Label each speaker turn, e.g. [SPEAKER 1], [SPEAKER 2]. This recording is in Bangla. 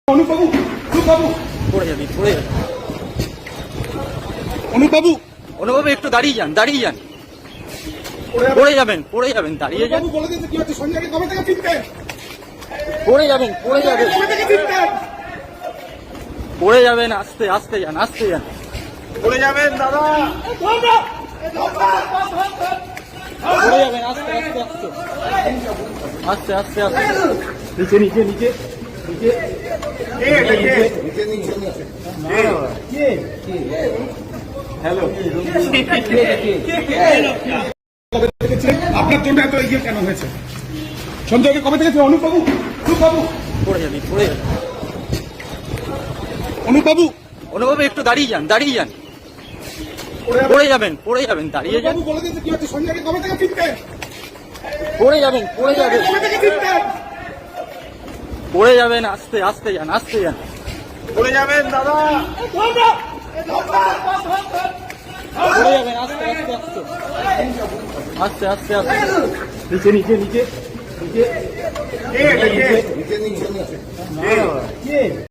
[SPEAKER 1] অনুপবাবু, অনুপবাবু,
[SPEAKER 2] পড়ে যাবি, পড়ে যাবি।
[SPEAKER 1] অনুপবাবু,
[SPEAKER 2] অনুপবাবু একটু দাঁড়িয়ে যান, দাঁড়িয়ে যান। পড়ে যাবেন, পড়ে যাবেন, দাঁড়িয়ে যান।
[SPEAKER 1] অনুপবাবু বলে দিয়েছে কি হচ্ছে, সঞ্জয়কে কবে থেকে চিনতেন?
[SPEAKER 2] পড়ে যাবেন, পড়ে যাবেন,
[SPEAKER 1] কবে থেকে চিনতেন?
[SPEAKER 2] পড়ে যাবেন। আস্তে আস্তে যান, আস্তে যান।
[SPEAKER 1] বলে যাবেন দাদা।
[SPEAKER 2] পড়ে যাবেন, আস্তে আস্তে আস্তে আস্তে আস্তে আস্তে। নিচে নিচে নিচে নিচে। হ্যালো,
[SPEAKER 1] আপনার জন্য এত এগিয়ে কেন হয়েছে? সঞ্জয়কে কবে থেকে? অনুপবাবু, অনুপবাবু,
[SPEAKER 2] পড়ে যাবি, পড়ে যাবি।
[SPEAKER 1] অনুপবাবু,
[SPEAKER 2] অনুপবাবু একটু দাঁড়িয়ে যান, দাঁড়িয়ে যান। পড়ে যাবেন, পড়ে যাবেন, দাঁড়িয়ে যান।
[SPEAKER 1] অনুপবাবু বলে দিয়েছে কি হচ্ছে, সঞ্জয়কে কবে থেকে চিনতেন?
[SPEAKER 2] পড়ে যাবেন, পড়ে যাবেন,
[SPEAKER 1] কবে থেকে চিনতেন?
[SPEAKER 2] পড়ে যাবেন। আস্তে আস্তে যান, আস্তে যান।
[SPEAKER 1] বলে যাবেন দাদা।
[SPEAKER 2] পড়ে যাবেন, আস্তে আস্তে আস্তে আস্তে আস্তে আস্তে। নিচে নিচে নিচে নিচে।